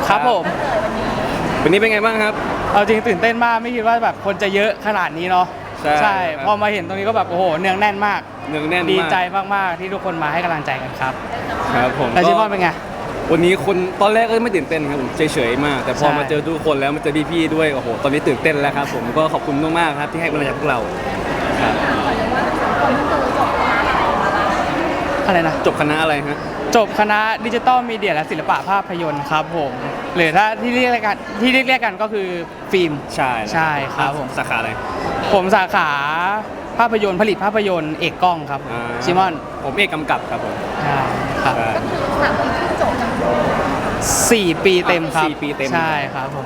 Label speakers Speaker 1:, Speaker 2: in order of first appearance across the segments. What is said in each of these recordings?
Speaker 1: ครับผม
Speaker 2: วันนี้เป็นไงบ้างครับ
Speaker 1: เอาจริงตื่นเต้นมากไม่คิดว่าแบบคนจะเยอะขนาดนี้เนาะใช่พอมาเห็นตรงนี้ก็แบบโอ้โหเนืองแน่นมากดีใจมากๆที่ทุกคนมาให้กำลังใจกันครับ
Speaker 2: ครับผม
Speaker 1: แล้วชิมอนเป็นไง
Speaker 2: วันนี้คนตอนแรกก็ไม่ตื่นเต้นครับผมเฉยๆมากแต่พอมาเจอทุกคนแล้วมาเจอพี่ๆด้วยโอ้โหตอนนี้ตื่นเต้นแล้วครับผมก็ขอบคุณมากๆครับที่ให้กำลังใจพวกเราครับ
Speaker 1: อะไรนะ
Speaker 2: จบคณะอะไรฮะ
Speaker 1: จบคณะดิจิตอลมีเดียและศิลปะภาพยนตร์ครับผมหรือถ้าที่เรียกกันก็คือฟิล์ม
Speaker 2: ใช่
Speaker 1: ครับผม
Speaker 2: สาขาอะไร
Speaker 1: ผมสาขาภาพยนตร์ผลิตภาพยนตร์เอกกล้องครับชิมอน
Speaker 2: ผมเอกกำกับครับผม
Speaker 1: ใช่ครับ
Speaker 3: 3 ปีที่จบ
Speaker 1: 4 ปีเต็มครับ
Speaker 2: 4 ปีเต็ม
Speaker 1: ใช่ครับผม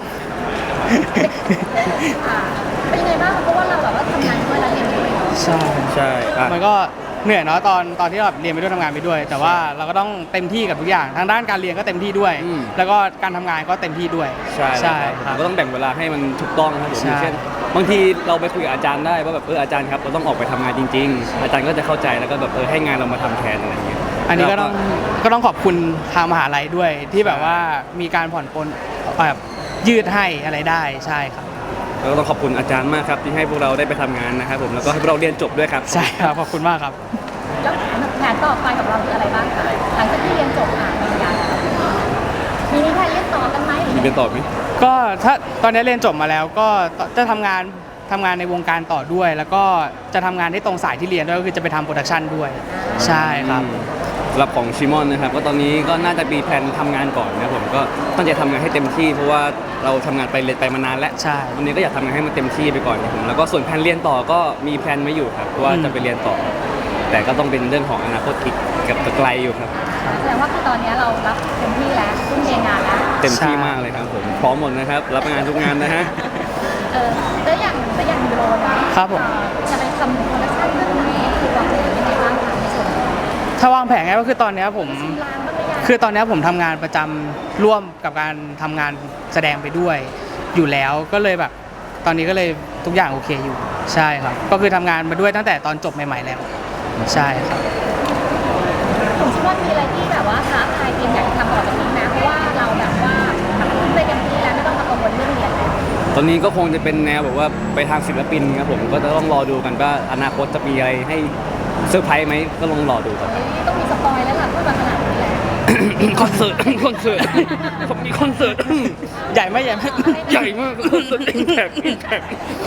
Speaker 3: เป็นยังไงบ้างเพราะว่าเราแบบว่าทำงานด้วยแล้วเรียนด้วย
Speaker 1: ใช่มันก็เหนื่อยเนาะตอนที่เราเรียนไปด้วยทำงานไปด้วยแต่ว่าเราก็ต้องเต็มที่กับทุกอย่างทางด้านการเรียนก็เต็มที่ด้วยแล้วก็การทำงานก็เต็มที่ด้วย
Speaker 2: ใช่ครับก็ต้องแบ่งเวลาให้มันถูกต้องครับผมเช่นบางทีเราไปคุยกับอาจารย์ได้ว่าแบบอาจารย์ครับเราต้องออกไปทำงานจริงๆอาจารย์ก็จะเข้าใจแล้วก็แบบให้งานเรามาทำแทนอะไรอย่างเงี้ย
Speaker 1: อันนี้ก็ต้องขอบคุณทางมหาลัยด้วยที่แบบว่ามีการผ่อนปลนแบบยืดให้อะไรได้ใช่ครับ
Speaker 2: แล้วก็ต้องขอบคุณอาจารย์มากครับที่ให้พวกเราได้ไปทำงานนะครับผมแล้วก็ให้พวกเราเรียนจบด้วยครับ
Speaker 1: ใช่ครับขอบคุณมากครับ
Speaker 3: แล้วแผนต่อไปกับเราคืออะไรบ้างคะหลังจากที่เรียนจบปริญญามีแผนเรียนต่อกันไหม
Speaker 2: เรียนต่อไหม
Speaker 1: ก็ถ้าตอนนี้เรียนจบมาแล้วก็จะทำงานในวงการต่อด้วยแล้วก็จะทำงานที่ตรงสายที่เรียนด้วยก็คือจะไปทำโปรดักชันด้วยใช่ครับ
Speaker 2: สำหรับของชิมอนนะครับก็ตอนนี้ก็น่าจะมีแผนทำงานก่อนนะผมก็ตั้งใจทำงานให้เต็มที่เพราะว่าเราทำงานไปเรียนไปมานานแล้ว
Speaker 1: ใช่
Speaker 2: วันนี้ก็อยากทำงานให้มันเต็มที่ไปก่อนผมแล้วก็ส่วนแผนเรียนต่อก็มีแผนไว้อยู่ครับว่าจะไปเรียนต่อแต่ก็ต้องเป็นเรื่องของอนาคตอีกกับไกลอยู่ครับ
Speaker 3: แสดงว่าคือตอนนี้เรารับเต็มที่แล้วทุ่มเทงานแล้ว
Speaker 2: เต็มที่มากเลยครับผมพร้อมหมดนะครับรับงานทุกงานนะฮะ
Speaker 3: แล้วอย่างยูโร
Speaker 1: ครับผม
Speaker 3: จะไปทำโปรดักชั่นเรื่องนี้คือวางแผนยังไงบ้างคะในส่วน
Speaker 1: ถ้าวางแผนไงก็คือตอนนี้ผมทำงานประจำร่วมกับการทำงานแสดงไปด้วยอยู่แล้วก็เลยแบบตอนนี้ก็เลยทุกอย่างโอเคอยู่ใช่ครับก็คือทำงานมาด้วยตั้งแต่ตอนจบใหม่ๆแล้วใช่ครับ
Speaker 3: ผมคิดว่ามีอะไรที่แบบว่าท้าทายเตรียมอยากทำต่อจากนี้นะเพราะว่าเราแบบว่าทำไปเต็มที่แล้วไม่ต้องมากังวลเรื่องเรียนแล้ว
Speaker 2: ตอนนี้ก็คงจะเป็นแนวแบบว่าไปทางศิลปินครับผมก็จะต้องรอดูกันว่าอนาคตจะมีอะไรให้เซอร์ไพรส์ไหมก็ลองรอดูครับ
Speaker 3: ต้องมีสปอยแล้วล่ะพูดมาขนาดนี้แล้ว
Speaker 2: คอนเสิร์ตผมมีคอนเสิร์ต
Speaker 1: ใหญ่ไหมใหญ่ม
Speaker 2: ากคอนเสิร์ตอิมแพค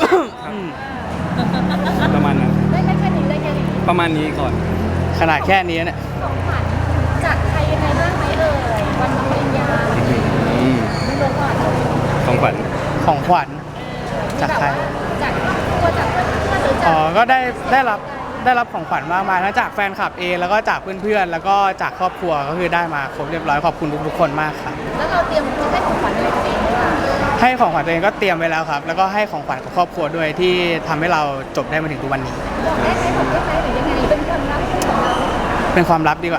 Speaker 2: ประมาณนั้น
Speaker 3: ได้แค่นี้
Speaker 2: ประมาณนี้ก่อน
Speaker 1: ขนาดแค่นี้เนี่ย
Speaker 3: ของขวัญจากใครยังไงบ้างไหมวันปริญญาไม่รู้ก่อน
Speaker 2: ของขวัญ
Speaker 1: จากใคร
Speaker 3: จากตัวจากเพื่อนหรือจาก
Speaker 1: ก็ได้รับของขวัญมากมายทั้งจากแฟนคลับเองแล้วก็จากเพื่อนๆแล้วก็จากครอบครัวก็คือได้มาครบเรียบร้อยขอบคุณทุกคนมากครับ
Speaker 3: แล้วเราเตรียมให้ของขวัญอะไรตัวเองไหมคะ
Speaker 1: ให้ของขวัญตัวเองก็เตรียมไว้แล้วครับแล้วก็ให้ของขวัญกับครอบครัวด้วยที่ทำให้เราจบได้มาถึงทุกวันนี้
Speaker 3: บอกได้ไหมหรือยังไงเป็นความลับของเรา
Speaker 1: เป็นความลับดีกว่า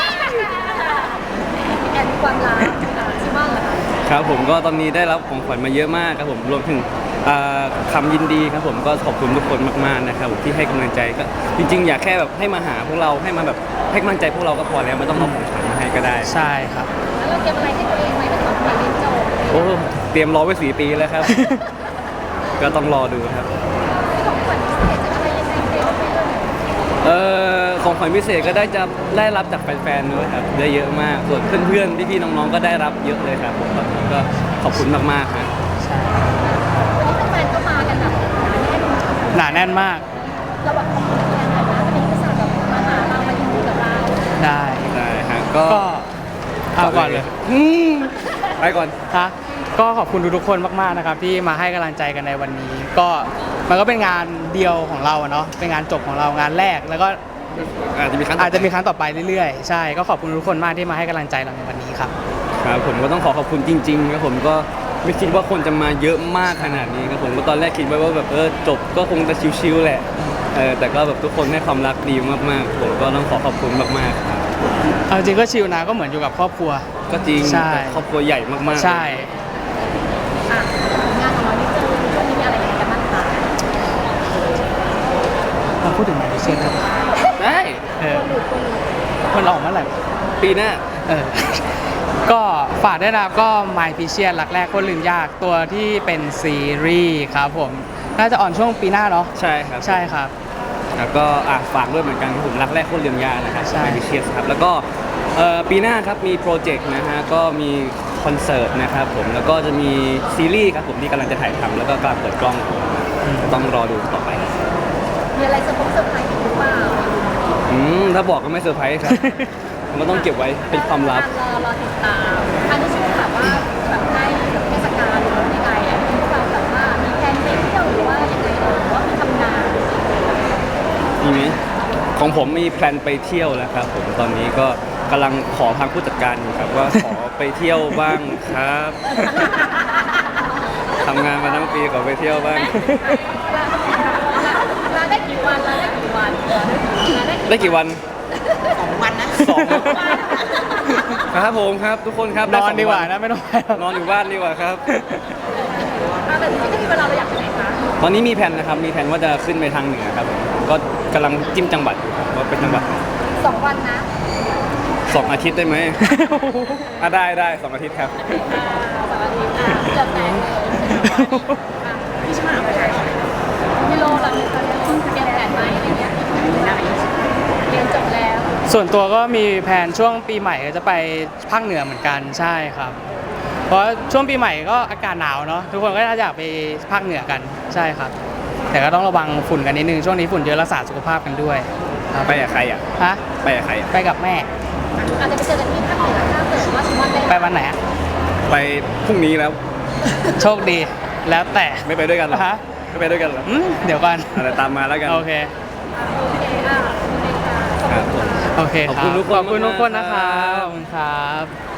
Speaker 3: แอนความลับชิมอนเหรอคะ
Speaker 2: ครับผมก็ตอนนี้ได้รับของขวัญมาเยอะมากครับผมรวมถึงคำยินดีครับผมก็ขอบคุณทุกคนมากๆนะครับที่ให้กำลังใจก็จริงๆอยากแค่แบบให้มาหาพวกเราให้มาแบบให้กำลังใจพวกเราก็พอแล้วไม่ต้องเอาของขวัญมาให้ก็ได้
Speaker 1: ใช่ครับ
Speaker 3: แล้วเราเตรียมอะไรให้ตัวเองไหมเป็นของขวัญเรียนจบ
Speaker 2: โอ้เตรียมรอไว้4 ปีแล้วครับก็ต้องรอดูครับ
Speaker 3: ของขวัญพิเศษจะอะไรยังไงเตรียมไว้
Speaker 2: เลยของขวัญพิเศษก็ได้รับจากแฟนๆด้วยครับได้เยอะมากส่วนเพื่อนๆพี่ๆน้องๆก็ได้รับเยอะเลยครับผมก็ขอบคุณมากๆครับ
Speaker 1: หนาแน่นมาก
Speaker 3: เราแบบขอบคุณอย่างไรนะเป็นภาษาแบบมาหาเรามายินดีกับเรา
Speaker 1: ได้
Speaker 2: ฮะก็
Speaker 1: เอาก่อนเลย
Speaker 2: ไปก่อน
Speaker 1: ค่ะก็ขอบคุณทุกคนมากๆนะครับที่มาให้กำลังใจกันในวันนี้ก็มันก็เป็นงานเดียวของเราเนาะเป็นงานจบของเรางานแรกแล้วก็
Speaker 2: อาจจะมีครั้ง
Speaker 1: ต่อไปเรื่อยๆใช่ก็ขอบคุณทุกคนมากที่มาให้กำลังใจเราในวันนี้ครับ
Speaker 2: ครับผมก็ต้องขอบคุณจริงๆครับผมก็ไม่คิดว่าคนจะมาเยอะมากขนาดนี้ครับผมก็ตอนแรกคิดไว้ว่าแบบจบก็คงจะชิวๆแหละแต่ก็แบบทุกคนให้ความรักดีมากๆผมก็ต้องขอบคุณมากๆครับ
Speaker 1: เอาจริงก็ชิลนะก็เหมือนอยู่กับครอบครัว
Speaker 2: ก็จริงครอบครัวใหญ่มาก
Speaker 1: ๆใช่
Speaker 3: งานของเรานี่คือวันนี้มีอะไรกันบ้างคะ
Speaker 1: เราพูดถึงไหนพิเศษกัน
Speaker 2: ได้
Speaker 1: มันออกเมื่อไหร่
Speaker 2: ปีหน้า
Speaker 1: ก็ฝากด้วยนะครับก็ My p i c i a n รักแรกคนลืมยากตัวที่เป็นซีรีส์ครับผมน่าจะออนช่วงปีหน้าเนาะ
Speaker 2: ใช่ครับ
Speaker 1: ใช่ครับ
Speaker 2: แล้วก็ฝากด้วยเหมือนกันครับผมรักแรกโคตรเรียนยากนะครับ
Speaker 1: ใช่
Speaker 2: ไมเชียสครับแล้วก็ปีหน้าครับมีโปรเจกต์นะฮะก็มีคอนเสิร์ตนะครับผมแล้วก็จะมีซีรีส์ครับผมที่กำลังจะถ่ายทำแล้วก็กำลังเปิดกล้องต้องรอดูต่อไป
Speaker 3: มีอะไรเซอร์ไพรส์อีกหรือเปล่า
Speaker 2: ถ้าบอกก็ไม่เซอร์ไพรส์ครับ ผมก็ต้องเก็บไว้เป็นความลับ
Speaker 3: รอติดตามอันนี้ช่วงแบบว่าแบบใกล้เทศกาลหรือยังไงอ่ะที่พวกเราแบบว่ามีแผนไปเที่ยวหรือว่ายังไงหรือว่ามีทำงาน
Speaker 2: มีไหมของผมมีแพลนไปเที่ยวแล้วครับผมตอนนี้ก็กำลังขอทางผู้จัดการอยู่ครับว่าขอไปเที่ยวบ้างครับทำงานมาทั้งปีขอไปเที่ยวบ้าง
Speaker 3: ลาได้กี่วันลาได้กี่วันลาได้
Speaker 2: ได้กี่วัน
Speaker 3: วันนะ
Speaker 2: สองครับผมครับทุกคนครับ
Speaker 1: น
Speaker 2: ได้
Speaker 1: อน
Speaker 2: สง
Speaker 1: ดีกว่า
Speaker 2: วัน
Speaker 1: นะไม่ต้องไปหรอก
Speaker 2: นอนอยู่บ้านดีกว่าครับ
Speaker 3: แต่ที่จะมีเวลาเราอยากไปไหนคะ
Speaker 2: ตอนนี้มีแผนนะครับมีแผนว่าจะขึ้นไปทางเหนือครับผมก็กำลังจิ้มจังหวัดอยู่ครับว่าเป็นจังหวัดไหน
Speaker 3: 2 วันนะ
Speaker 2: 2 อาทิตย์ได้ไหม ได้2 อาทิตย์ครับ
Speaker 3: 2 อาทิตย์เกือบแตกเลยพี่ชมาไปไหนพี่โลเราเตรียมแผนไหมอะไรเงี้ยเรียนจบแล้ว
Speaker 1: ส่วนตัวก็มีแผนช่วงปีใหม่ก็จะไปภาคเหนือเหมือนกันใช่ครับ เพราะช่วงปีใหม่ก็อากาศหนาวเนาะทุกคนก็น่าจะอยากไปภาคเหนือกันใช่ครับ แต่ก็ต้องระวังฝุ่นกันนิดนึงช่วงนี้ฝุ่นเยอะรักษาสุขภาพกันด้วยครับ
Speaker 2: ไปกับใครอ่ะ
Speaker 1: ฮะ
Speaker 2: ไปกับใครอ่ะ
Speaker 1: ไปกับแม่
Speaker 3: อาจจะไปเจอกันที่ภาคเหนือถ้าเกิดว่าสมมติได้
Speaker 1: ไปวันไหนอะ
Speaker 2: ไปพรุ่งนี้แล้ว
Speaker 1: โชคดีแล้วแต่
Speaker 2: ไม่ไปด้วยกันเหรอ
Speaker 1: ฮะ
Speaker 2: ไม่ไปด้วยกันเหรอ
Speaker 1: เดี๋ยวก่อน
Speaker 2: อะไรตามมาแล้วกัน
Speaker 1: โอเค
Speaker 3: โอเคโอเคค่ะ
Speaker 2: ครับผม
Speaker 1: โอเคครับ
Speaker 2: ขอบคุณทุกคน
Speaker 1: ขอบคุณทุกคนนะค
Speaker 2: มากๆครั
Speaker 1: รับบ ขอบคุณครับ